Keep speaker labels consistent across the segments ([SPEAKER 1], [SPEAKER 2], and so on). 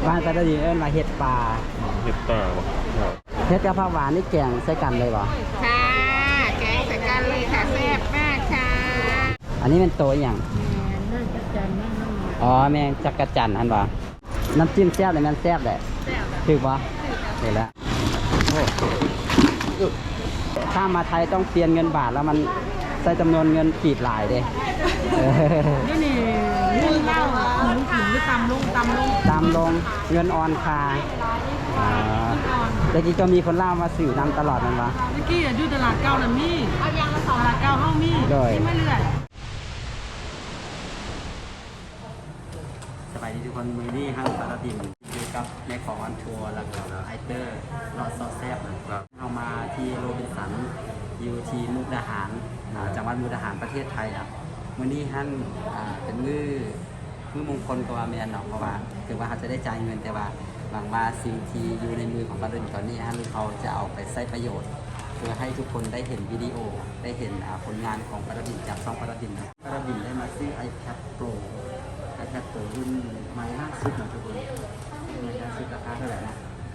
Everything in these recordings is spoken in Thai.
[SPEAKER 1] บ้านปลาดินเอิ้นมาเห็ดปลา
[SPEAKER 2] เห็ดป่าบ่ครับ
[SPEAKER 1] เห็ดกับผักหวานนี่แกงใส่กันเลยบ่
[SPEAKER 3] ค่ะแกงใส่กันเลยค่ะแซ่บมากค่ะ
[SPEAKER 1] อันนี้เป็นโตอย่าง
[SPEAKER 3] น่าจะจันนั่นนั่น
[SPEAKER 1] อ๋อแมงจักรจันทร์อันบ่น้ำจิ้มแซ่บเลยมันแซ่บแหละ
[SPEAKER 3] แซ่บ
[SPEAKER 1] ถือบ่เห็นแล้วโอ้ถ้ามาไทยต้องเปลี่ยนเงินบาทแล้วมันใส่จำนวนเงินขีดหลายเด้
[SPEAKER 3] นี่เรื่องเล่าหมูขิงหรือตำลง
[SPEAKER 1] ตามลงเงินออนคาแต่กี้ก็มีคนเล่ามาสื่อนำตลอดนั่นวะ
[SPEAKER 3] เมื่อกี้อยู่ตลาดเก่าน่ะมีเอายางมาสองตลาดเก่าเฮามี
[SPEAKER 1] โดย
[SPEAKER 3] ไม่เลื่อย
[SPEAKER 1] สบายดีทุกคนมือนี่ห้างปลาดินอยู่กับแม่ของอันทัวร์แล้วก็ไอเตอร์รอดซอสแซ่บนะครับเอามาที่โรบินสันอยู่ที่มุกดาหารจังหวัดมุกดาหารประเทศไทยนะมือนี้ฮั่นเป็นมือมงคลกว่าแมนเนาะเพราะว่าถือว่าเขาจะได้จ่ายเงินแต่ว่าหวังว่าสิ่งที่อยู่ในมือของปลาดินตอนนี้ฮั่นเขาจะเอาไปใช้ประโยชน์เพื่อให้ทุกคนได้เห็นวิดีโอได้เห็นผลงานของปลาดินจากช่องปลาดินนะปลาดินได้มาซื้อ iPad Pro iPad Pro รุ่นใหม่ล่าสุดนะทุกคนล่าสุดราคาเท่าไหร่นะ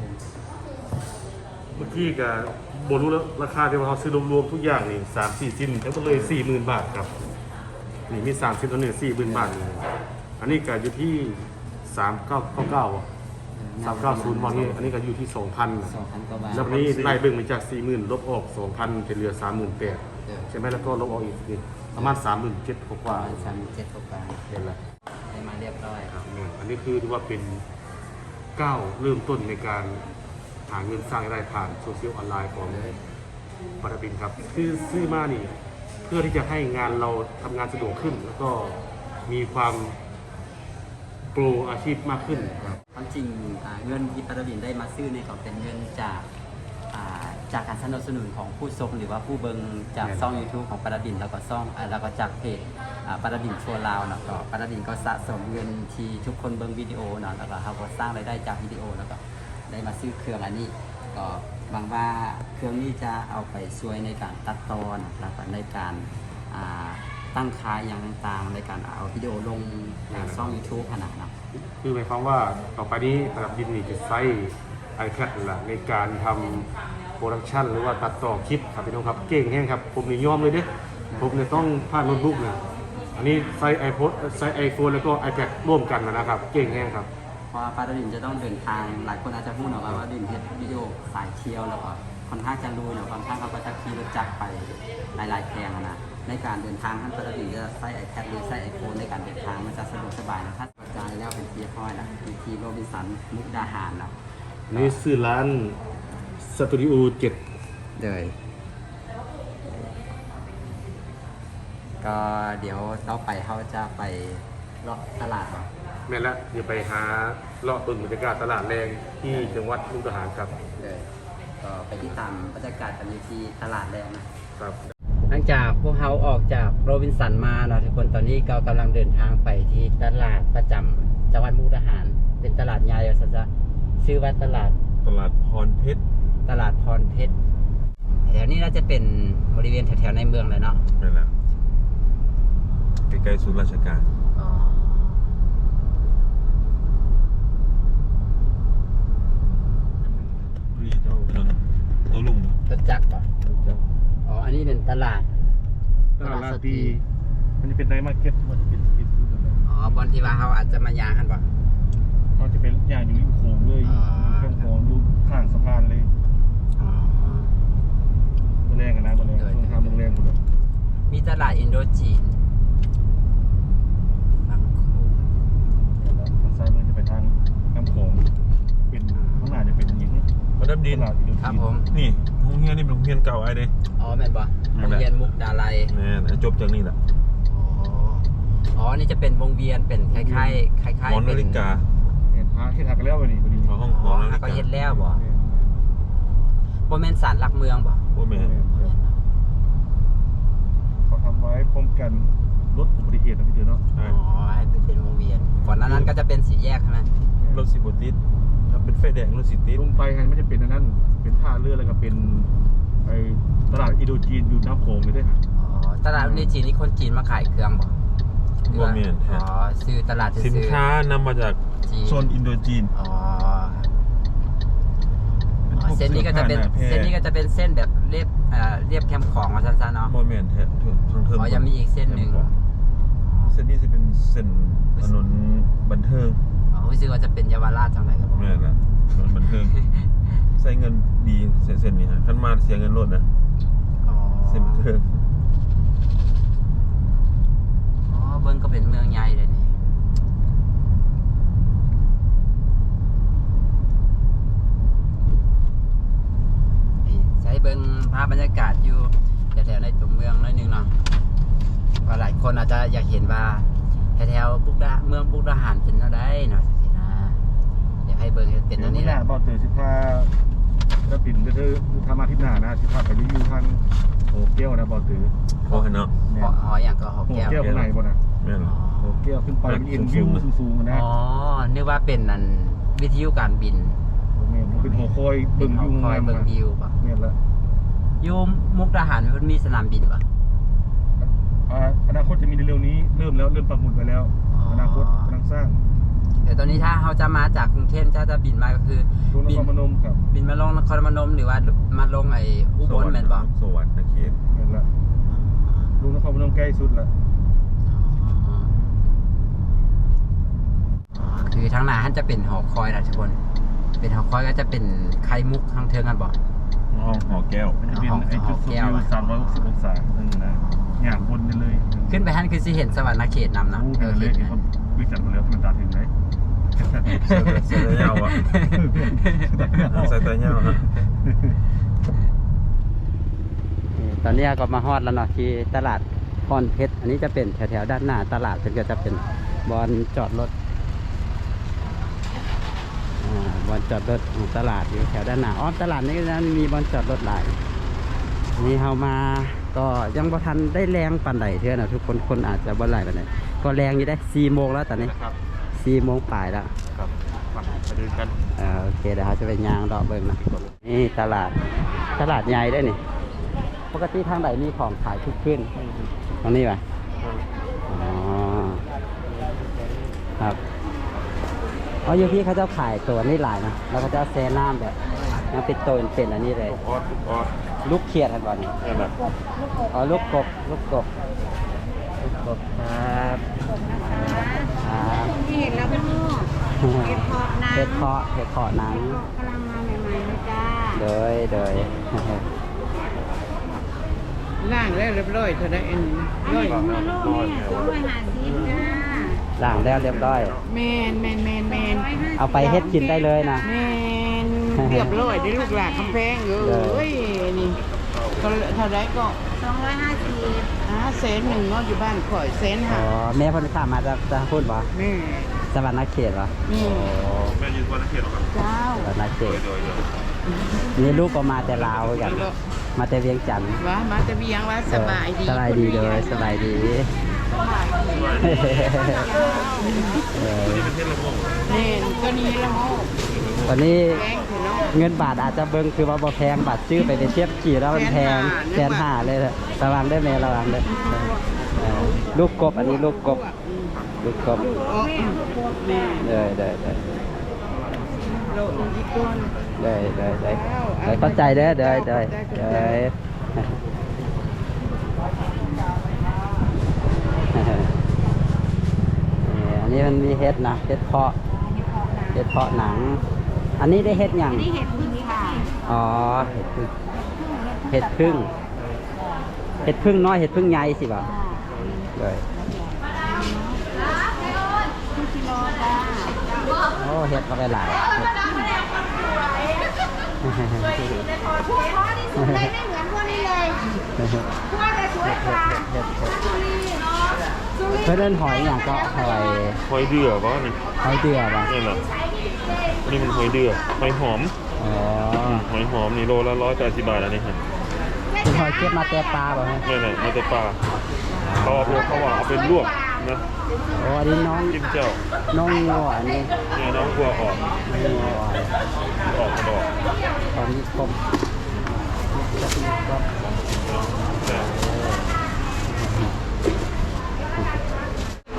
[SPEAKER 2] เมื่อกี้กับบรู้แล้วราคาที่ว่าเขาซื้อรวมๆทุกอย่างนี่3-4ชิ้นทั้งหมดเลย 40,000 บาทครับนี่มี3ชิ้นตัวนี้ 40,000 บาทนี่อันนี้ก็อยู่ที่3999 390วันนี้อันนี้ก็อยู่ที่ 2,000
[SPEAKER 1] 2,000 กว่าบาท
[SPEAKER 2] แล้ววันนี้ไล่เบิ่งมาจาก 40,000 ลบออก 2,000เป็นเหลือ 38,000ใช่ไหมแล้วก็ลบออกอีกนี่ประมาณ 37,000 ก
[SPEAKER 1] ป
[SPEAKER 2] ว่า
[SPEAKER 1] ระมาณ37 กว่าบาท
[SPEAKER 2] เห็นแล้ว
[SPEAKER 1] ได้มาเรียบร้อยครับ
[SPEAKER 2] อันนี้คือถือว่าเป็นก้าวเริ่มต้นในการหาเงินสร้างรายได้ผ่านโซเชียลออนไลน์ของปาราบินครับคือซื้อมานี่เพื่อที่จะให้งานเราทำงานสะดวกขึ้น แล้วก็มีความโปรอาชีพมากขึ้นครับ
[SPEAKER 1] ความจริงเงินที่ปาราบินได้มาซื้อเนี่ยก็เป็นเงินจากการสนับสนุนของผู้ชมหรือว่าผู้เบิงจากช่อง YouTube ของปาราบินแล้วก็ช่องแล้วก็จากเพจปาราบินชัวร์ลาวเนาะก็ปาราบินก็สะสมเงินที่ทุกคนเบิงวิดีโอเนาะแล้วก็เขาก็สร้างรายได้จากวิดีโอแล้วก็ได้มาซื้อเครื่องอันนี้ก็หวังว่าเครื่องนี้จะเอาไปช่วยในการตัดตอนแล้วก็ในการตั้งค่าอย่างต่างๆในการเอาวิดีโอลงในช่อง YouTube ขนาดนั้น
[SPEAKER 2] คือหมายความว่าต่อไปนี้ปาราบินนี่จะใช้ iPad นั่นแหละในการทำโปรดักชันหรือว่าตัดต่อคลิปครับพี่น้องครับเก่งแห้งครับผมนี่ยอมเลยเด้ผมเนี่ยต้องพาดโน้ตบุ๊กนะอันนี้ใช้ iPhone แล้วก็ iPad ร่วมกันนะครับเก่งแห้งครับ
[SPEAKER 1] เพราะว่าปาราดินจะต้องเดินทางหลายคนอาจจะพูดเนาะว่าดินเฮ็ดวิดีโอสายเที่ยวแล้วก็ค่อนข้างจะรู้เนาะบางครั้งเขาก็จะขี่รถจักรไปหลายๆแพงนะในการเดินทางท่านปาราดินจะใช้ iPad หรือใช้ iPhone ในการเดินทางมันจะสะดวกสบายนะครับกระจายแล้วเป็นที่ห้อยนะมีที่โรบินสันมุกดาหารนะ
[SPEAKER 2] นี่ซื้อร้านสตูดิโอ7
[SPEAKER 1] เลยก็เดี๋ยวต่อไปเขาจะไปเลาะตลาดเนาะ
[SPEAKER 2] แม่นละเดี๋ยวไปหาเลาะต้นบรรยากาศตลาดแรงที่จังหวัดมุกดาหารครับ
[SPEAKER 1] เลยก็ไปที่ตามบรรยากาศกันที่ตลาดแรงนะ
[SPEAKER 2] ครับ
[SPEAKER 1] หลังจากพวกเขาออกจากโรบินสันมาเนาะทุกคนตอนนี้ก็กำลังเดินทางไปที่ตลาดประจำจังหวัดมุกดาหารเป็นตลาดใหญ่ซะจะชื่อว่าตลาด
[SPEAKER 2] พรเพชร
[SPEAKER 1] ตลาดพรเพชรแถวนี้น่าจะเป็นบริเวณแถวๆในเมืองเลยเนาะ
[SPEAKER 2] นั่นแหละใกล้ๆศูนย์ราชการนี่เจ้าลุง
[SPEAKER 1] รถจักรป่ะอ๋ออันนี้เป็นตลาด
[SPEAKER 2] ตลาดลาตีมันจะเป็นไนท์มาร์เก็ตมันจะเป็นสตรีทฟู้ดอะไร
[SPEAKER 1] อ๋อบอลที่ว่าเขาอาจจะมายางกันป่ะ
[SPEAKER 2] เขาจะเป็นอย่างอยู่ริมโขงเลยข้างโขงดูข้างสะพานเลย
[SPEAKER 1] อ๋อ
[SPEAKER 2] ตัวแรงกันนะตัวแรงช่วงทางเมืองแรงหมดเลย
[SPEAKER 1] มีตลาดอินโดจีนฝั่งโขง
[SPEAKER 2] ทางซ้ายมือจะไปทางน้ำโขงเป็นข้างหน้าจะเป็นอย่างนี้
[SPEAKER 4] ประดับดิน
[SPEAKER 2] ตลาดอินโดจีน
[SPEAKER 1] ครับผม
[SPEAKER 4] นี่โรงเรียนนี่เป็นโรงเรียนเก่าไอ้เด้
[SPEAKER 1] อ๋อแม่นป่ะโรงเรียนมุกดาลัย
[SPEAKER 4] แม่นจบจากนี่แหละ
[SPEAKER 1] อ๋อ นี่จะเป็นวงเวียน เป็นคล้ายๆคล้าย
[SPEAKER 4] หอ
[SPEAKER 1] ๆ
[SPEAKER 4] นาฬิกา
[SPEAKER 2] เห็นทางที่ทางกันแล้ววันนี้พอดี
[SPEAKER 4] เขาห้องห
[SPEAKER 1] อ๋
[SPEAKER 4] อ
[SPEAKER 1] อ
[SPEAKER 4] นาฬิ
[SPEAKER 1] ก็
[SPEAKER 4] กา
[SPEAKER 1] เฮ็ดแล้วบ่บ่แม่นศาลหลักเมืองบ่
[SPEAKER 4] โอ้แม่น
[SPEAKER 2] เขาทำไว้ป้องกันลดอุบัติเหตุนะพี่เดือเนาะ
[SPEAKER 4] ใช่
[SPEAKER 1] อ๋อ ให้เป็นวงเวียน ก่อนหน้านั้นก็จะเป็นสี่แยกใช่ไหม
[SPEAKER 4] รถสิบติดถ้าเป็นไฟแดงรถสิติด
[SPEAKER 2] ลงไปกันไม่ใช่เป็นอันนั้นเป็นท่าเรือแล้วก็เป็นไอตลาดอินโดจีนอยู่น้ำโขงเลยด้วยฮะ
[SPEAKER 1] อ๋อ ตลาดในจีนนี่คนจีนมาขายเครื่องบ่
[SPEAKER 4] บ่แม่น
[SPEAKER 1] อ๋อ ซื้อตลาด
[SPEAKER 4] สิน
[SPEAKER 1] ซื้อ
[SPEAKER 4] ค้านำมาจาก
[SPEAKER 1] จีน
[SPEAKER 4] โซนอินโดจีน
[SPEAKER 1] อ๋อเส้นนี้ก็จะเป็นเส้นนี้ก็จะเป็นเส้นแบบเรียบแคมป์ของมาสั้นๆเนาะ
[SPEAKER 4] โมเมนต์ทางเทิง
[SPEAKER 1] อ๋อยังมีอีกเส้นหนึ่ง
[SPEAKER 4] เส้นนี้จะเป็นเส้นถนนบันเทิง
[SPEAKER 1] อ๋อรู้สึกว่าจะเป็นเยาวราชจังไรครับผม
[SPEAKER 4] แม่นละถนนบันเทิงใส่เงินดีเส้นนี้ฮะขั้นมาเสียเงินรถนะ
[SPEAKER 1] อ๋อ
[SPEAKER 4] เส้นบันเทิง
[SPEAKER 1] อ๋อเบิ้งก็เป็นเมืองใหญ่เลยนี่ใช้เบิ้งภาพบรรยากาศอยู่แถวๆในตัวเมืองหน้อยหนึงเนาะเพราะหลายคนอาจจะอยากเห็นว่าแถวๆเมืองมุกดาหารเป็นอะไรเนาะสินะอยากให้เบิ้งเป็นอันนี้แหละ
[SPEAKER 2] บ่ตื่นสิพาแล้วปิ่นก็คือทำอาทิตย์หน้านะสิพาไปรีวิวทางโอเกี้ยวนะบ่ตื่น
[SPEAKER 4] โอ้เห็นเนาะ
[SPEAKER 2] เนี่ย
[SPEAKER 1] หออย่างก็หอ
[SPEAKER 2] โอ
[SPEAKER 1] แก้ว
[SPEAKER 2] เกี้ยวข้างในบ่น่ะ
[SPEAKER 4] แม่นละ
[SPEAKER 2] โอเกี้ยวขึ้นไปมันเอ็นวิวสูงๆนะ
[SPEAKER 1] อ๋อนึกว่าเป็นอันวิทยุการบิน
[SPEAKER 2] มันเป็นหัวคอยเบิ่งวิว
[SPEAKER 1] คอยเบิ่งวิวป่ะ
[SPEAKER 2] เนี่ยละ
[SPEAKER 1] อยู่มุกดาหารมันมีสนามบินป่ะ
[SPEAKER 2] อนาคตจะมีในเร็วนี้เริ่มปักหมุดไปแล้ว อนาคตกำลังสร้าง
[SPEAKER 1] แต่ตอนนี้ถ้าเขาจะมาจากกรุงเทพจะบินมาก็คือ
[SPEAKER 2] ลงนครพนมครับ
[SPEAKER 1] บินมาลงนครพนมหรือว่ามาลงไอ้อุบลแม่นบ่
[SPEAKER 4] สวัสดิ์นะเขต
[SPEAKER 2] เนี่ยละลงนครพนมใกล้สุดละ
[SPEAKER 1] คือทางหน้าท่านจะเป็นหอคอยนะทุกคนเป็นหอคอยก็จะเป็นไข่มุกทางเทิงกันบ่
[SPEAKER 4] ห้องหอแก้ว
[SPEAKER 2] มันจะเป็นไอ้จุดสูงวิว360องศานึงนะอย่างบนไปเลย
[SPEAKER 1] ขึ้นไปท่านคือสิเห็นสวรรค์เขตนำนะ
[SPEAKER 2] รู้ไปเลย
[SPEAKER 1] เห็น
[SPEAKER 2] ที่
[SPEAKER 1] นะ
[SPEAKER 2] เขาวิจารณ์มาแล้วมันตาถึงไหน
[SPEAKER 4] ใส่ตาเงาอ่ะใส่ตาเงาฮะ
[SPEAKER 1] ตอนนี้ก็มาฮอดแล้วเนาะที่ตลาดพรเพชรอันนี้จะเป็นแถวๆด้านหน้าตลาดเป็นก็จะเป็นบอนจอดรถบอนจอดรถของตลาดอยู่แถวด้านหน้าตลาดนี้ก็จะมีบอนจอดรถหลายนี่เฮามาก็ยังบ่ทันได้แรงปานใดเท่านะทุกคนอาจจะบ่หลายปานใดก็แรงอยู่ได้4 โมงแล้วตอนนี้
[SPEAKER 2] ครับ
[SPEAKER 1] 4 โมงปลายแล้ว
[SPEAKER 2] ครับฝั่งไปเดินกัน
[SPEAKER 1] โอเคเดี๋ยวเราจะไปย่างดอกเบิ่งนะนี่ตลาดใหญ่ได้นี่ปกติทางไหนมีของขายทุกขึ้นตรงนี้ป่ะอ๋อครับอยู่พี่เขาจะขายตัวนี่หลายนะแล้วเขาจะแซ่น้ำแบบน้ำเป็นตัวเป็นอันนี้เลย
[SPEAKER 4] ออส
[SPEAKER 1] ลูกเขียดทันบอลนี่
[SPEAKER 4] นี่แหละ
[SPEAKER 1] ลูกกบครับครับ
[SPEAKER 3] ที่เห็นแล้วก็เห็ดเพาะน้ำ
[SPEAKER 1] เห็ดเพาะหนัง
[SPEAKER 3] กำลังมาใหม่ๆนะจ้า
[SPEAKER 1] โดย
[SPEAKER 3] ล่างแล้วเรียบร้อยเท่านั้นเองร้อยมาโลกเนี่ย250จ้า
[SPEAKER 1] ล้างแล้วเรียบร้อย
[SPEAKER 3] แมน
[SPEAKER 1] เอาไปเฮ็ดกินได้เลยนะ
[SPEAKER 3] แมนเรียบร้อยได้ลูกหลานคำแพงเอ้ยนี่เท่าไรก็250แสนหนึ่งเนาะอยู่บ้านข่อยแสน
[SPEAKER 1] อ๋
[SPEAKER 3] ห้า
[SPEAKER 1] อแม่เพิ่นข้ามมาจะพูดบ่
[SPEAKER 3] แม่
[SPEAKER 1] สวรรค์เขตบ่
[SPEAKER 3] นี่
[SPEAKER 4] แม่ยืนวันละเขตหรอครับ
[SPEAKER 3] เจ้า
[SPEAKER 1] สวรรค์เขต
[SPEAKER 4] โดย
[SPEAKER 1] นี่ลูกก็มาแต่ลาวกัน มาแต่เวียงจันทน์
[SPEAKER 3] ว่ามาแต่เบียงว่าสบายดี
[SPEAKER 1] สบายดีเลยสบายดีเออ
[SPEAKER 3] แม่นก็นี่ละโม
[SPEAKER 1] ตอนนี้
[SPEAKER 3] แพงถึงเนาะ
[SPEAKER 1] เงินบาทอาจจะเบิ่งคือว่าบ่แพงบาทซื้อไปเทียบกี่แล้วมันแพง150,000เลยนะระวังได้อแม่ระวังเด้อลูกกบอันนี้ลูกกบ
[SPEAKER 3] โอ้แม่
[SPEAKER 1] ได้
[SPEAKER 3] โลอีกก้อน
[SPEAKER 1] เข้าใจเด้อได้อันนี้มันมีเห็ดนะเห็ดเพาะหนัง อันนี้ได้เห็ดหยัง
[SPEAKER 3] นี่เห็ดพึ่งค่ะ
[SPEAKER 1] อ๋อเห็ดพึ่งน้อยเห็ดพึ่งใหญ่สิบ่ะเลย
[SPEAKER 3] ทุกกิโลจ้า
[SPEAKER 1] โอ้เห็ดมาไปหลาย
[SPEAKER 3] พวกเขาที่สุดเลยไม่เหมือนพวกนี้เลยพวกจะสวยกว่าสุรินทร์
[SPEAKER 1] เพื่อนเล่นหอยอย่างก็หอย
[SPEAKER 4] หอยเดือป่ะนี่
[SPEAKER 1] หอยเดือป่ะ
[SPEAKER 4] นี่แหละนี่มันหอยเดือหอยหอม
[SPEAKER 1] อ๋อ
[SPEAKER 4] หอยหอมนี่โลละ180 บาทอันนี้ฮะ
[SPEAKER 1] เป็นหอยเก็บมาแต่ปลาป่ะฮะ
[SPEAKER 4] นี่แหละมาแต่ปลาเขาว่าเอาไปลวกนะ
[SPEAKER 1] โอ้อันนี้น้อง
[SPEAKER 4] จิ้มเจ้า
[SPEAKER 1] งัวอันนี้
[SPEAKER 4] เนี่ยน้องกลัวออก
[SPEAKER 1] งัว
[SPEAKER 4] ออกกระดอก
[SPEAKER 1] ตอนนี้คม
[SPEAKER 4] แต่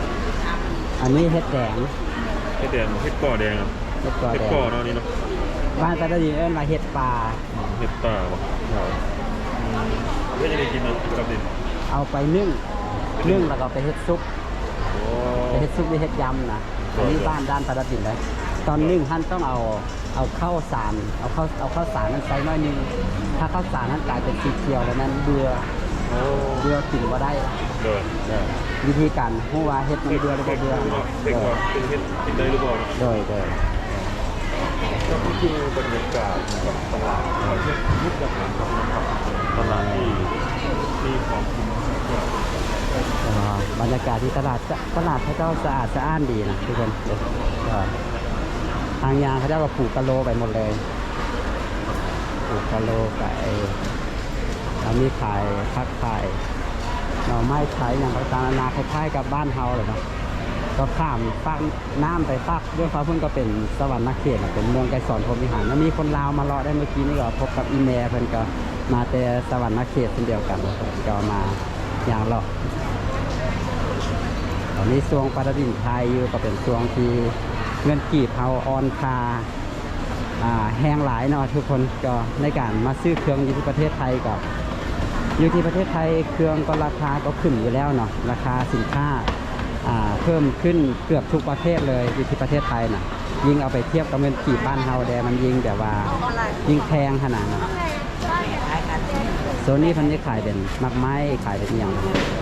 [SPEAKER 1] อันนี้เห็ดแดง
[SPEAKER 4] เห็ดแดงเห็ดก่อแดงอะ
[SPEAKER 1] เห็ดกอ
[SPEAKER 4] เห็ด
[SPEAKER 1] แด
[SPEAKER 4] ก่อง เนาะนี่เนาะ
[SPEAKER 1] บ้านตาตาดินเอิ้นว่าเห็ดป่า
[SPEAKER 4] เห็ดป่าบ่ครับเพื่อจะได้กินนะกับดิน
[SPEAKER 1] เอาไปนึ่งแล้วก็ไปเฮ็ดซุป
[SPEAKER 4] โอ้
[SPEAKER 1] ไปเฮ็ดซุปหรือเฮ็ดยำนะอันนี้บ้านด้านตาตาดินเลยตอนนึ่งท่านต้องเอาข้าวสารเอาข้าวสารนั้นใส่น้อยนึงถ้าข้าวสารนั้นกลายเป็นสีเขียวแล้วนั้นเบื่อกินบ่ได้
[SPEAKER 4] เดิน
[SPEAKER 1] วิธีการฮู้ว่าเฮ็ดมันเบื่อหรือบ่เบื่อ
[SPEAKER 4] เด็กว่าเป็นเห็ดกินได้หรือเปล่า
[SPEAKER 1] โดย
[SPEAKER 4] ก็คือบรรยากาศกับตลาดมุกดาหารครับตลาดที่มีของกินเยอะ
[SPEAKER 1] บรรยากาศที่ตลาดเขาเจ้าสะอาดสะอ้านดีนะทุกคนก็ทางยางเขาเจ้าก็ปลูกกะโลไปหมดเลยปลูกกะโลไปแล้วมีขายพักขายหน่อไม้ขายอย่างต่างๆนานาคล้ายๆกับบ้านเฮาเลยเนาะก็ข้ามฟากน้ำไปฟากด้วยฟ้าพุ่นก็เป็นสวรรค์เขตเป็นเมืองไกรสอนพรหมวิหารแล้วมีคนลาวมารอได้เมื่อกี้นี่ก็พบกับอีเมลเพิ่นก็มาแต่สวรรค์เขตเช่นเดียวกันก็มาอย่างเลาะตอนนี้ช่วงปาราดินไทยอยู่ก็เป็นช่วงที่เงินกีบเฮาออนคาแห้งหลายเนาะทุกคนก็ในการมาซื้อเครื่องอยู่ที่ประเทศไทยกับอยู่ที่ประเทศไทยเครื่องก็ราคาก็ขึ้นอยู่แล้วเนาะราคาสินค้าเพิ่มขึ้นเกือบทุกประเทศเลยอยู่ที่ประเทศไทยนะยิ่งเอาไปเทียบกับเงินกีบบ้านเฮาแดมันยิ่งแบบว่ายิ่งแพงขนาดนั้นโซนนี้พันนี้ขายเป็นมักไม้ขายเป็นอย่าง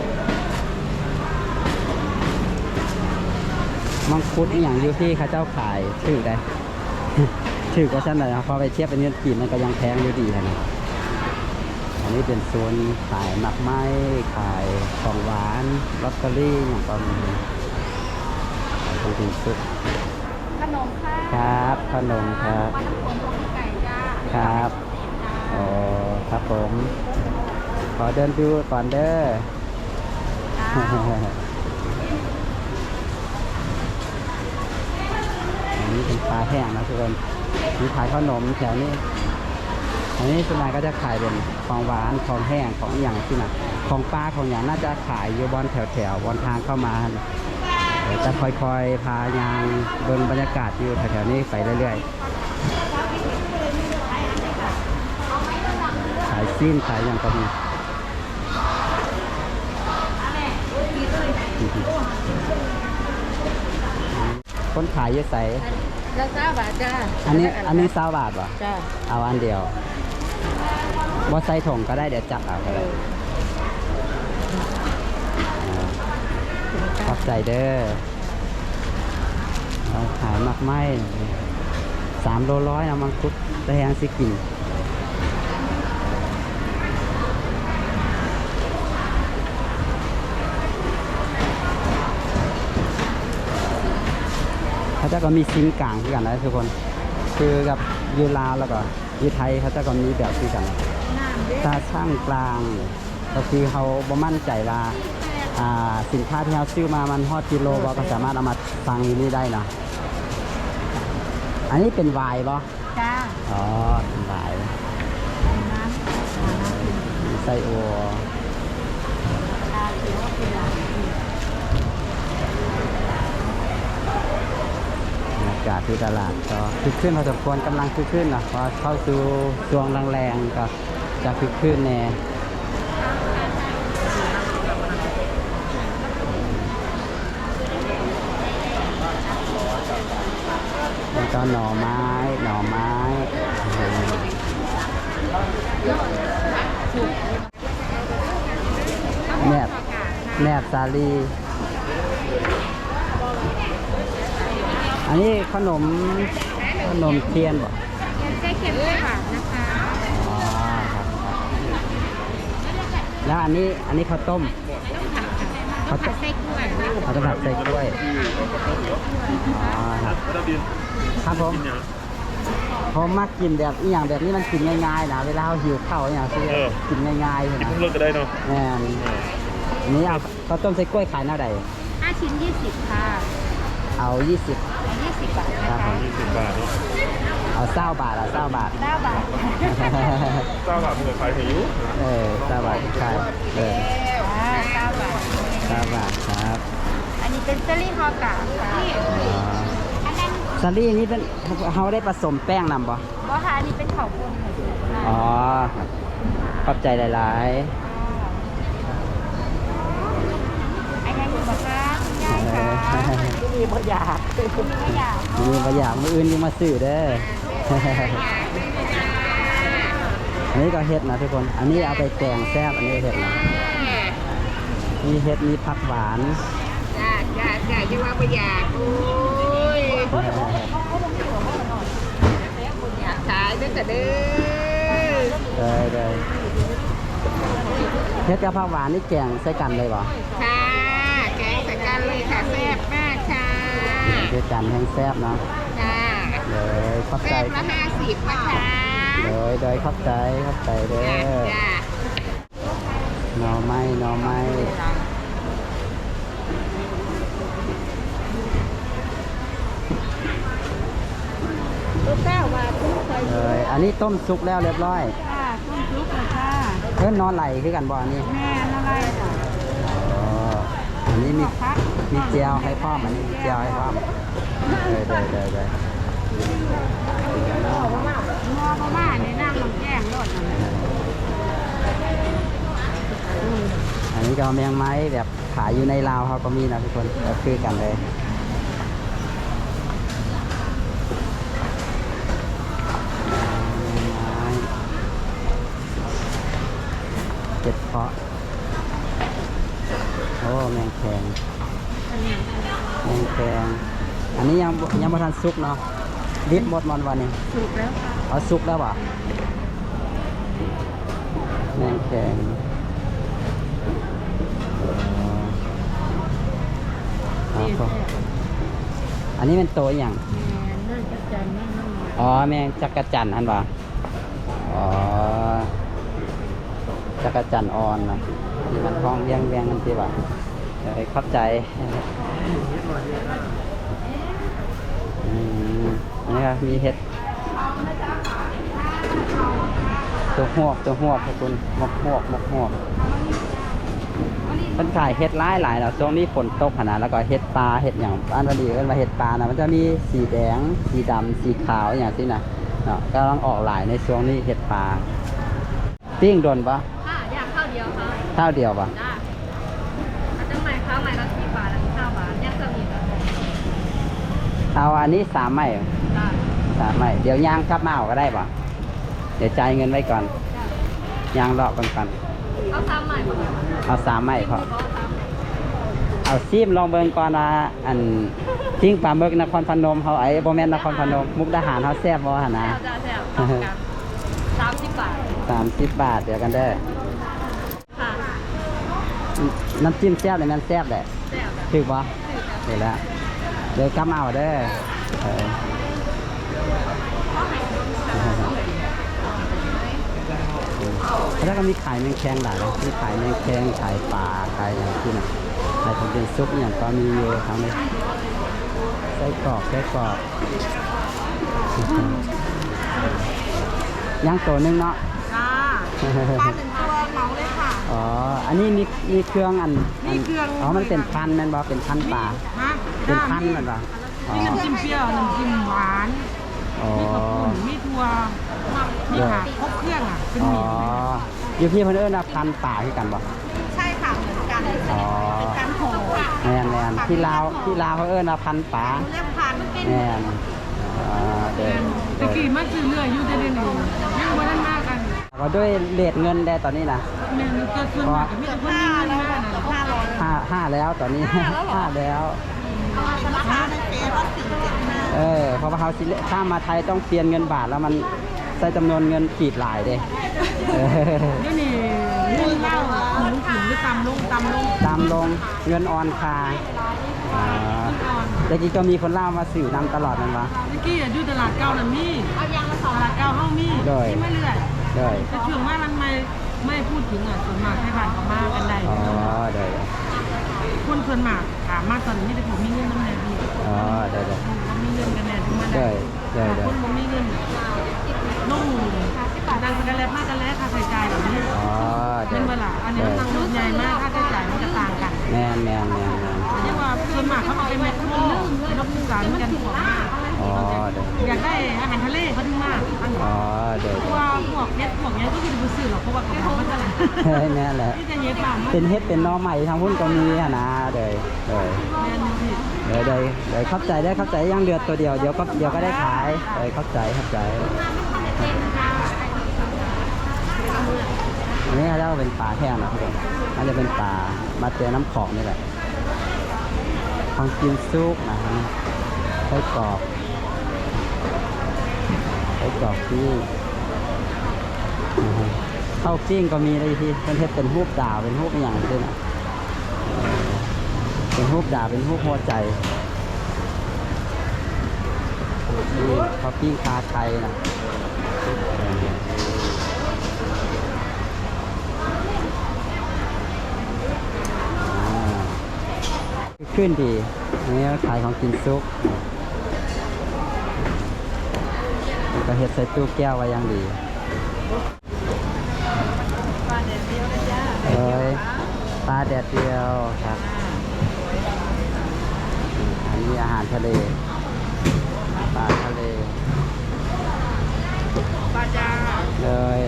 [SPEAKER 1] มังคุดอย่างอยู่ที่เขาเจ้าขายถือได้ ถือก็ชั้นเลยนะพอไปเทียบเป็นเงินกีบมันก็ยังแพงอยู่ดีนะอันนี้เป็นโซนขายหมักไม้ขายของหวานลอตเตอรี่อย่างก็มีขายเป็นซุป
[SPEAKER 5] ขนมค่ะ
[SPEAKER 1] ครับขนมครับ
[SPEAKER 5] ปลาน้ำผงของไก่จ้า
[SPEAKER 1] ครับอ๋อครับผมขอเดินดูก่อนเด้อ อันนี้เป็นปลาแห้งนะทุกคนมีขายขนมแถวนี้อันนี้ส่วนใหญ่ก็จะขายเป็นของหวานของแห้งของอย่างที่น่ะของปลาของอย่างน่าจะขายอยู่บนแถวบนทางเข้ามาเดี๋ยวจะค่อยๆพายางเบิ่งบรรยากาศอยู่แถวๆนี้ไปเรื่อยๆขายซีนขายอย่างก็มีคนขายเยอะใส
[SPEAKER 5] จ้าจ้าบาทจ้า
[SPEAKER 1] อันนี้20 บาทป่ะ
[SPEAKER 5] จ้า
[SPEAKER 1] เอาอันเดียวว่าใส่ถุงก็ได้เดี๋ยวจับเอาก็ได้ขอบใจเด้อเราขายมักไม้3 โลร้อยนะมังคุดแต่ยังสิกินเขาจะก็มีซิงกลางคือกันนะทุกคนคือกับยูลาวแล้วก็ยูไทยเขาจะก็มีแบบคือกันตาช่างกลางก็คือเขาบ่มั่นใจว่าสินค้าที่เขาซื้อมามันฮอดกิโลบ่ก็สามารถเอามาฟังอยู่นี่ได้นะอันนี้เป็นไวน์บ่
[SPEAKER 5] จ้า
[SPEAKER 1] อ๋อเป็นไวน์ไส้อัวบรรยากาศที่ตลาดก็คึกคืนพอสมควรกำลังคึกคืนนะพอเข้าสู่ช่วงแรงๆก็จะคึกคืนแน่แล้วก็หน่อไม้แนบสาลี อันนี้ขนมเทียนบ่
[SPEAKER 5] เจ๊เค็มด้วยค่ะนะคะ
[SPEAKER 1] อ๋อครับแล้วอันนี้ข้าวต้ม
[SPEAKER 5] ต้องผัดไส้กล้วย
[SPEAKER 1] เขาจะผัดใส่กล้วยอ๋อครับครับผมมักกินแบบอีหยังแบบนี้มันกินง่ายๆนะเวลาเราหิวข้าวอหย่างที่กินง่ายๆ
[SPEAKER 4] กิน
[SPEAKER 1] นะ
[SPEAKER 4] ทุกเรื่องก็ได้เนาะ
[SPEAKER 1] แม่นอันนี้เอาข้าวต้มใส่กล้วยขายหน้าใด
[SPEAKER 5] 5 ชิ้น 20 ค่ะ
[SPEAKER 1] เอา20
[SPEAKER 5] 20 บาท
[SPEAKER 1] ค
[SPEAKER 5] นะ
[SPEAKER 1] รับผ
[SPEAKER 5] คะ
[SPEAKER 1] ม
[SPEAKER 4] 20 บาทเนาะ
[SPEAKER 1] เอา20 บาท
[SPEAKER 5] 9
[SPEAKER 1] 20 บาท
[SPEAKER 5] บาท
[SPEAKER 4] 9 บาทมันก็ขายให้อยู่
[SPEAKER 1] 20 บาทใช่
[SPEAKER 5] 9 บาท
[SPEAKER 1] 9 บาทครับ
[SPEAKER 5] อันนี้เป็นเจลลี่ฮอกาค่ะ
[SPEAKER 1] อ๋อ
[SPEAKER 5] อันนั้น
[SPEAKER 1] สาลี่นี่เป็นเขาได้ผสมแป้งนำบ่
[SPEAKER 5] บ่ค่ะอันนี้เป็นข้าวปุ้นค่ะ
[SPEAKER 1] อ๋อขอบใจหลาย
[SPEAKER 5] ไอ้ยังอยู่บ่คะคุณยายคะ
[SPEAKER 1] ๆ
[SPEAKER 3] มีบ่อยาก
[SPEAKER 5] ไม่อยาก
[SPEAKER 1] มีบางอย่างมืออื่นยังมาซื้อเด้อ อันนี้ก็เห็ดนะทุกคน อันนี้เอาไปแกงแซ่บอันนี้เห็ดนะมีเห็ดมีผักหวาน
[SPEAKER 3] จ้าจะว่าบ่อยากโอ้ยอยากขายเด้อจ้ะเด้อ
[SPEAKER 1] ได้เห็ดกับผักหวานนี่แกงใส่กันเลยบ่
[SPEAKER 3] ค่ะแกงใส่กันเลยค่ะแซ่บมากค่ะ
[SPEAKER 1] เห็ดกันแห้งแซ่บเนาะ
[SPEAKER 3] ค่ะ
[SPEAKER 1] เลยขอบใจ
[SPEAKER 3] แซ่บละ50นะคะ
[SPEAKER 1] เลยขอบใจเด้อ
[SPEAKER 3] จ้า
[SPEAKER 1] หน่อไม้
[SPEAKER 5] ลูกเก้าว่าคุณเคย
[SPEAKER 1] เลยอันนี้ต้มสุกแล้วเรียบร้อย
[SPEAKER 5] ค่ะคุณลูกเลยค่ะ
[SPEAKER 1] เพิ่นนอนไหลคือกันบ่อันนี้
[SPEAKER 5] แม่อะไรจ้ะ
[SPEAKER 1] อ๋ออันนี้มีเจียวให้พร้อมอันนี้มีเจียวให้พร้อมได้
[SPEAKER 5] งอประมาณในนั่งลงแจ้งรถนั่นแหละ
[SPEAKER 1] อันนี้ก็แมงไม้แบบขายอยู่ในลาวเขาก็มีนะทุกคนก็คือกันเลยเจ็ดเพาะโอ้แมงแคงอันนี้ยังไม่ทันสุกเนาะดิบหมดวันนี้
[SPEAKER 5] สุกแล้วค่ะ
[SPEAKER 1] เอาสุกแล้วป่ะแมงแคงอันนี้เป็นตัวอย่าง
[SPEAKER 5] แม่นั่งจักจันนั่ง
[SPEAKER 1] อ๋อแมงจักรจันทร์อันป่ะอ๋อจักรจันทร์อ่อนนะนี่มันท้องเลี้ยงกันที่ป่ะเดี๋ยวเข้าใจนี่ครับมีเห็ดตัวหวกทุกคนมกหวกมันขายเห็ดหลายแล้วช่วงนี้ฝนตกขนาดแล้วก็เห็ดปลาเห็ดอย่างอันวันดีก็มาเห็ดปลานะมันจะมีสีแดงสีดำสีขาวอย่างที่นะเนาะกำลังออกหลายในช่วงนี้เห็ดปลาปิ้งโดนปะ
[SPEAKER 5] ค่ะอย่างข้าวเดียวค่ะ
[SPEAKER 1] ข้าวเดียวปะ
[SPEAKER 5] จ้ามันจะใหม่ข้าวใหม่ละ10 บาทละ9 บาทยังจะมีค่ะ
[SPEAKER 1] เอาอันนี้3 ไม้
[SPEAKER 5] จ้า
[SPEAKER 1] 3 ไม้เดี๋ยวย่างกลับมาเอาก็ได้ปะเดี๋ยวจ่ายเงินไว้ก่อนย่างเลาะกัน
[SPEAKER 5] เอา3 ใหม่ก่อน
[SPEAKER 1] เอา3 ไม้พอ
[SPEAKER 5] เอา3
[SPEAKER 1] เอาซีมลองเบิ่งก่อนว่าอันจิ้งปลาหมึกนครพนมเขาไอ้บ่แม่นนครพนมมุกดาหารเขาแซ่บบ่หั่นนะ
[SPEAKER 5] จ้าต้องกัน30 บาท
[SPEAKER 1] 30 บาทเดี๋ยวกันเด้อ
[SPEAKER 5] ค่ะ
[SPEAKER 1] น้ำจิ้มแซ่บเลยมันแซ่บแหละ
[SPEAKER 5] แซ่บจ้ะ
[SPEAKER 1] ถูกบ่เดี๋ยวแล้วเดี๋ยวกำเอาเด้อแล้วก็มีขายแมงแคงหลายนะมีขายแมงแคงขายปลาขายอย่างที่น่ะขายเป็นซุปอย่างก็มีอยู่ทั้งนี้ไส้กรอกย่างตัวหนึงเนาะ
[SPEAKER 3] จ้าปลา1 ตัวเหมาเลยค่ะ
[SPEAKER 1] อ๋อ อันนี้มีเครื่องอัน
[SPEAKER 3] มีเครื่อง
[SPEAKER 1] อ๋อ มันเป็นพันธุ์นั่นบ่เป็นพันธุ์ปลา
[SPEAKER 3] ฮะ
[SPEAKER 1] เป็นพันธุ์นั่นบ่อ๋อ
[SPEAKER 3] มีน้ำจิ้มเปรี้ยวน้ำจิ้มหวาน
[SPEAKER 1] อ๋อ
[SPEAKER 3] มีข้าวปุ้นมีถั่วมีค่ะครบเครื่องอ่ะเป็น
[SPEAKER 1] อ๋อ
[SPEAKER 3] หมี่
[SPEAKER 1] อยู่พี่เพิ่นเอิ้นว่าพันธุ์ปลาคือกันบ่
[SPEAKER 3] ใช่ค่ะเหมือนกัน
[SPEAKER 1] อ๋อ
[SPEAKER 3] เป็นการห่อ
[SPEAKER 1] แม่นที่ลาวเขาเอิ้นว่าพันธุ์ปลา
[SPEAKER 3] เรียกพัน
[SPEAKER 1] แม่นอ๋อเด้อ
[SPEAKER 3] ตะกี้มันคือเรืออยู่ได้เลยยังบ่ได้มากกัน
[SPEAKER 1] ก็ด้วยเรทเงินได้ตอนนี้นะ
[SPEAKER 3] แม่นก็ส่วนมากก็มีแต่คนมีเงินมากนะ500
[SPEAKER 1] ห้าแล้วตอนนี้ ห้าแล้ว
[SPEAKER 3] ราคาในเฟซว่า475
[SPEAKER 1] เพราะว่าเขาสิข้ามมาไทยต้องเปลี่ยนเงินบาทแล้วมันใส่จำนวนเงินกีบหลายเด้
[SPEAKER 3] เดี๋ยวนี้เงินเล่าสูงหรือต่ำลง
[SPEAKER 1] ตามลงเงินออนคาแต่กี้ก็มีคนเล่ามาสื่อนำตลอดนั่นวะ
[SPEAKER 3] เมื่อกี้อยู่ตลาดเก่าน่ะมีเอายางมา2ตลาดเก่าเฮามี
[SPEAKER 1] โดย
[SPEAKER 3] ที่ไม่เรื่อย
[SPEAKER 1] ด้วย
[SPEAKER 3] แต่ช่วงว่ามันไม่พูดถึงอ่ะส่วนมากให้บ้านเขามากันได้
[SPEAKER 1] อ๋อด้วย
[SPEAKER 3] คนส่วนมากถามมาตอนนี้แต่ผมมีเงินน้ำแน่พี่
[SPEAKER 1] อ๋อด้วย
[SPEAKER 3] เขามีเงินกันแน่ถึงมา
[SPEAKER 1] ด้
[SPEAKER 3] ได้
[SPEAKER 1] วยด้วยด้วย
[SPEAKER 3] คนผมมีเงินนุ่งนั่งกันแล้วมากกันแล้วค่าใช้จ่ายแบบนี้
[SPEAKER 1] อ๋อด้
[SPEAKER 3] เป็
[SPEAKER 1] วนย
[SPEAKER 3] เวลาอันนี้มันนั่งรถใหญ่มากค่าใช้จ่ายมันจะต่างกัน
[SPEAKER 1] แม่น
[SPEAKER 3] เรียกว่าส่วนมากเขาเอาไปแมทคนนึงรถผู้สารกันของมาก
[SPEAKER 1] อ๋อเดี๋ยว
[SPEAKER 5] อยากได้อาหารทะเลเขาถึงมากอัน
[SPEAKER 1] อ๋อเดี๋ยว
[SPEAKER 5] เพราะว่าพวกเฮ็ดพวกนี้ก็คือดูสื่อหรอกเพราะว่ากระเพาะมันจะไหล
[SPEAKER 1] นี่แหละ
[SPEAKER 5] ที่จะเฮ็ดบ้าง
[SPEAKER 1] เป็นเฮ็ดเป็นหน้อใหม่ทางหุ้นก็มีอะนะเดี๋ยว
[SPEAKER 5] แม่นสิ
[SPEAKER 1] เดี๋ยวเข้าใจได้เข้าใจยังเดือดตัวเดียวเดี๋ยวก็ได้ขายเข้าใจอันนี้เราเป็นปลาแห้งนะทุกคนอันนี้เป็นปลามาเจอน้ำของนี่แหละของกินซุกนะฮะไส้กรอกปิ้งข้าวปิ้งก็มีเลยที่เป็นเทศเป็นรูปดาวเป็นรูปอย่างนี้นะเป็นรูปดาวเป็นรูปหัวใจนี่ข้าวปิ้งคาไทยนะขึ้นดีอันนี้ขายของกินซุกก็เห็ดใส่ตู้แก้วไว้อย่างดีปลาแดดเดียวนะจ๊ะปลาแดดเดียวครับอันนี้อาหารทะเลปลาทะเลปลาจ้าเลย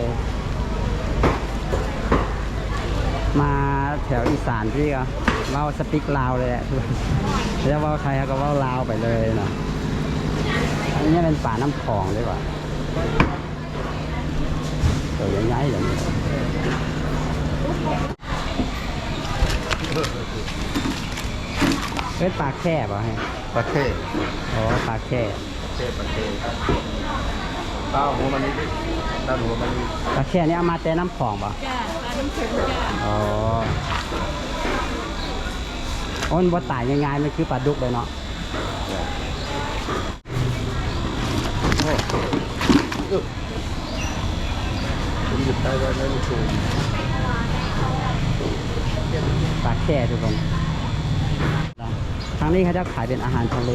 [SPEAKER 1] มาแถวอีสานที่ก็เล่าสปิกลาวเลยแหละแล้วว่าใครก็ว่าลาวไปเลยเนาะอันนี้เป็นป่าน้ำคลองดีกว่าตัวใหญ่ๆอย่างนี้เป็นปลาแค่ป่ะให้
[SPEAKER 4] ปลาเท่
[SPEAKER 1] อ๋อปลาแค่
[SPEAKER 4] ปลาเท่ข้าวหัวมันนี่ด้านหัวมันนี่
[SPEAKER 1] ปลาแค่นี้เอามาแต่น้ำคลองป่ะ
[SPEAKER 5] จ้าปลาน้ำเค็มจ้า
[SPEAKER 1] อ๋ออ้นบ่ตายง่ายๆมันคือปลาดุกเลยเนาะ
[SPEAKER 4] ผมหยิบได้ไว้ไม่ถูก
[SPEAKER 1] ปลาแค่ทุกคนทางนี้เขาจะขายเป็นอาหารทะเล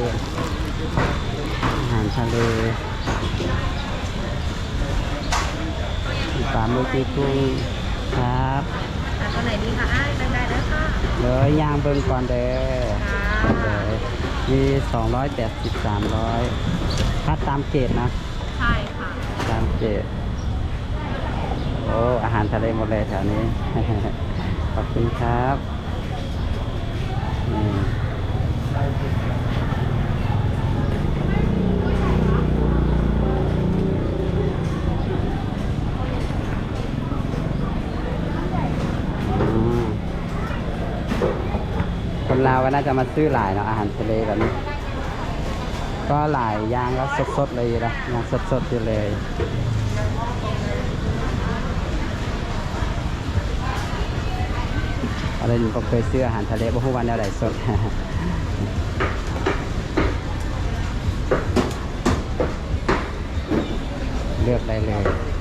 [SPEAKER 1] ปลาหมึกกุ้งครับ
[SPEAKER 5] ตัวไหนดีคะอ้ายได้แล้วค่ะ
[SPEAKER 1] เลยย่างเบิ่งก่อนเด้อเลยมี280 300ถ้าตามเกรดนะ
[SPEAKER 5] ใช่ค่ะ
[SPEAKER 1] ตามเกรดโอ้อาหารทะเลหมดเลยแถวนี้ ขอบคุณครับนี่คนลาวก็น่าจะมาซื้อหลายเนาะอาหารทะเลแบบนี้ ก็หลายอย่างแล้วสดๆเลยนะอย่างสดๆอยู่เลยอะไรหนูก็เคยซื้ออาหารทะเลบ่ฮู้ว่าแนวใดสด เลือกได้เลย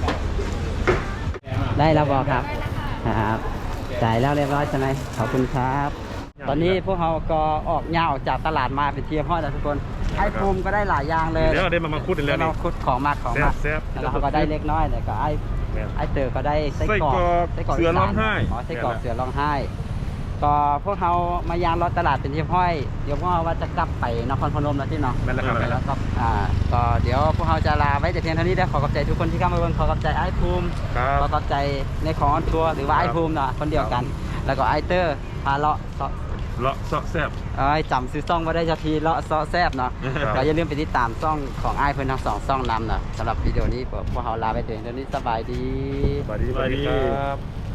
[SPEAKER 1] ได้แล้วบอกครับครับจ่ายแล้วเรียบร้อยใช่ไหมขอบคุณครับ ตอนนี้พวกเราก็ออกย่าออกจากตลาดมาเป็นเทียมพ่อแต่ทุกคนไอ้ภูมิก็ได้หลายอย่างเลย
[SPEAKER 4] เดี๋ยวได้มาคุดอีกแล้ว
[SPEAKER 1] เรา
[SPEAKER 4] นี่
[SPEAKER 1] คุดของมาก
[SPEAKER 4] แซ่บ
[SPEAKER 1] แล้วเราก็ได้เล็กน้อยแต่ก็ไอ้เต๋อก็ได้ไส้กรอก
[SPEAKER 4] เสือร้องไห้
[SPEAKER 1] อ๋อไส้กรอกเสือร้องไห้ ก็พวกเรามายางรถตลาดเป็นที่ห้อยเดี๋ยวพวกเราว่าจะกลับไปนครพนมแล้วที่เนาะ
[SPEAKER 4] นั่นแหละครับ
[SPEAKER 1] แล้วก็ก็เดี๋ยวพวกเราจะลาไว้แต่เพียงเท่านี้ได้ขอขอบใจทุกคนที่เข้ามาเบิ่งขอขอบใจไอ้ภูมิ
[SPEAKER 4] ครับ
[SPEAKER 1] ขอขอบใจในของออนทัวร์หรือว่าไอ้ภูมิเนาะคนเดียวกัน แล้วก็ไอ้เตอร์พาเลาะ
[SPEAKER 4] เลาะเสาะแซ่บ
[SPEAKER 1] จำซื้อซ่องมาได้จะทีเลาะซอแซบเนาะ
[SPEAKER 4] ครับ
[SPEAKER 1] ก็อย่าลืมไปติดตามซ่องของไอ้เพื่อนทั้ง2ซ่องนำเนาะสำหรับวิดีโอนี้พวกเราลาไปเพียงเท่านี้สบายดี
[SPEAKER 4] สวัสดีครับ